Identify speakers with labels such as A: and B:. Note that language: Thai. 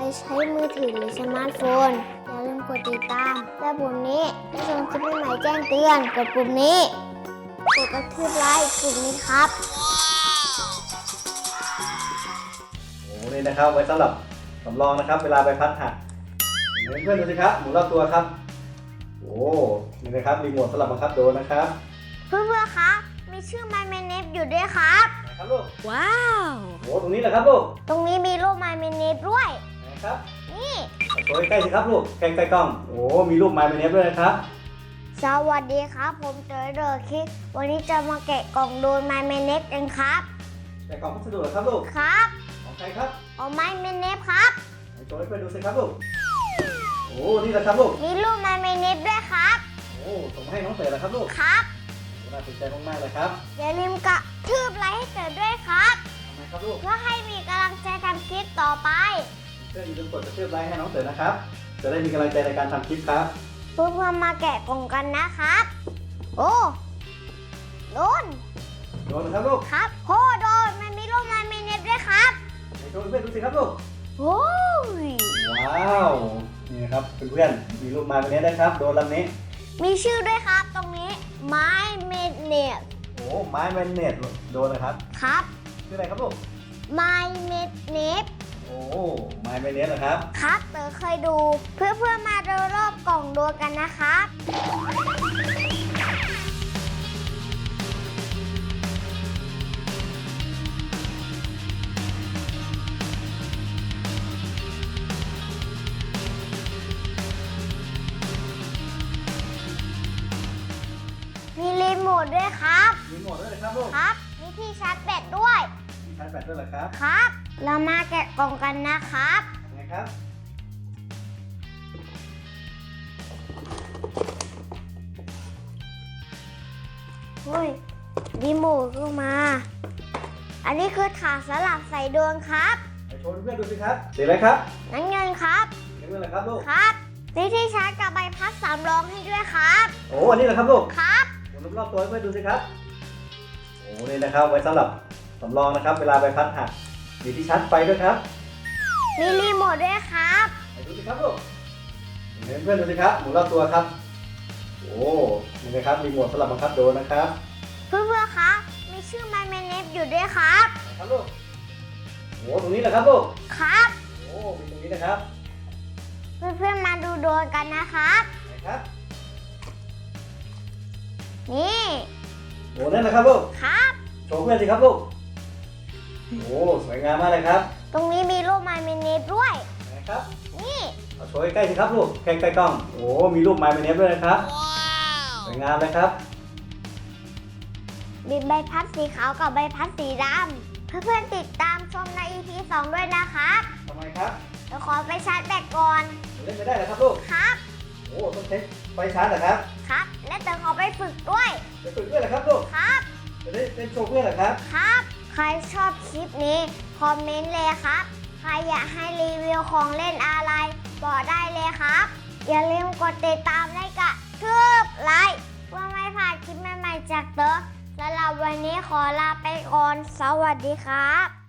A: ใช้มือถือหรือสมาร์ทโฟนอย่าลืมกดติดตามและปุ่มนี้จะส่งคลิปใหม่ๆแจ้งเตือนกดปุ่มนี้กดกระทืบไลค์ปุ่มนี้ครับ
B: โอ้นี่นะครับไว้สำหรับสำรองนะครับเวลาใบพัดหักเพื่อนๆดูสิครับหมุนรอบตัวครับโอ้นี่นะครับรีโมทสำหรับบังคับโดรนนะครับ
A: เพื่อนๆครับมีชื่อ My Minute อยู่ด้วยครับ
B: ครับลูก
A: ว้าว
B: โอ้ตรงนี้แหละครับลูก
A: ตรงนี้มีรูป My Minute ด้วย
B: นะครับ
A: นี่
B: โชว์ใกล้ๆสิครับลูกใกล้ๆกล้องโอ้มีรูป My Minute ด้วยนะครับ
A: สวัสดีครับผมเจอเดอร์คิดวันนี้จะมาแกะกล่องโดน My Minute กันครับ
B: แกะกล่องพัสดุเหรอครับลูก
A: ครับ
B: ของใครครับ
A: ของ My Minute ครับ
B: โชว์ให้เพื่อนดูสิครับลูกโอ้นี่แหละครับลูก
A: มีรูป My Minute ด้วยครับ
B: โอ้ส่งมาให้น้องเต๋อเหรอครับลูก
A: ครับ
B: น่าสนใจมากๆเลยครับ
A: อย่าลืมกระทืบไลค์ให้เต๋อด้วยครับ
B: ทำไมครับลูก
A: เพื่อให้มีกำลังใจทำคลิปต่อไป
B: เพื่อนอย่าลืมกดกระทืบไลค์ให้น้องเต๋อนะครับจะได้มีกำลังใจในการทำคลิปครับ
A: เพื่อนๆมาแกะกล่องกันนะครับโอ้โดน
B: นะครับลูก
A: ครับโอ้โดนมันมีรูป My Minute ด้วยครับ
B: โชว์เพื่อนดูสิครับลูก
A: โอ้ย
B: ว้าวนี่นะครับเพื่อนๆมีรูปมาแบบนี้ได้ครับโดนลำนี้
A: มีชื่อด้วยครับตรงนี้ My Minute
B: โอ้ไม้แมนเนตโดนนะครับ
A: ครับ
B: ชื่ออะไรครับลูก
A: My Minute
B: โอ้ไม้แมนเนตนะครับ
A: ครับเต๋อเคยดูเพื่อนๆมาดูรอบกล่องดูกันนะครับมีรีโมทด้วยครับ
B: รีโมทด้วยนะครับลูก
A: ครับมีที่ชาร์จแบตด้วย
B: ที่ชาร์จแบตด้วยเหรอครับ
A: ครับเรามาแกะกล่องกันนะครับ
B: ไงครับ
A: เฮ้ยรีโมทก็มาอันนี้คือถาดสลักใส่ดวงครับ
B: ไปโชว์เพื่อนดูสิครับสีอะไรครับ
A: น้ำเงินครับ
B: น้ำเงินอะไรครับลูก
A: ครับมีที่ชาร์จกับใบพัดสำรองให้ด้วยครับ
B: โอ้อันนี้เหรอครับลูก
A: ครับ
B: หมุนรอบตัวให้เพื่อนดูสิครับโอ้นี่นะครับไว้สำหรับสำรองนะครับเวลาใบพัดหักมีที่ชาร์จไฟด้วยครับ
A: มีรีโมทด้วยครับ
B: ไปดูสิครับลูกเพื่อนดูสิครับหมุนรอบตัวครับโอ้นี่นะครับรีโมทสำหรับบังคับโดรนนะครับ
A: เพื่อนๆครับมีชื่อ My Minute อยู่ด้วยครับ
B: ครับลูกโอ้ตรงนี้แหละครับลูก
A: ครับ
B: โอ้มีตรงนี้นะครับ
A: เพื่อนๆมาดูโดรนกันนะครับ
B: ครับ
A: นี่
B: โอ้นั่นนะครับลูก
A: ครับ
B: โชว์เพื่อนสิครับลูกโอ้สวยงามมากเลยครับ
A: ตรงนี้มีรูป My Minute ด้วย
B: นะครับ
A: นี่
B: เอาโชว์ใกล้ๆสิครับลูกใกล้ๆกล้องโอ้มีรูป My Minute ด้วยนะครับสวยงามเลยครับ
A: มีใบพัดสีขาวกับใบพัดสีดำเพื่อนๆติดตามชมใน EP 2 ด้วยนะครับ
B: ทำไมครับ
A: เดี๋ยวขอไปชาร์จแบตก่อน
B: เล่นไม่ได้เหรอครับลูก
A: ครับ
B: โอ้ต้องใช้ไฟชาร์จเหรอครับ
A: ครับและเดี๋ยวขอไปฝึกด้วย
B: ไปฝึกด้วยเหรอครับลูก
A: ครับ
B: จะได้เป็นโชว์เพื่อนเหรอครับ
A: ครับใครชอบคลิปนี้คอมเมนต์เลยครับใครอยากให้รีวิวของเล่นอะไรบอกได้เลยครับอย่าลืมกดติดตามและกระทืบไลค์เพื่อไม่พลาดคลิปใหม่ๆจากเต๋อสำหรับวันนี้ขอลาไปก่อนสวัสดีครับ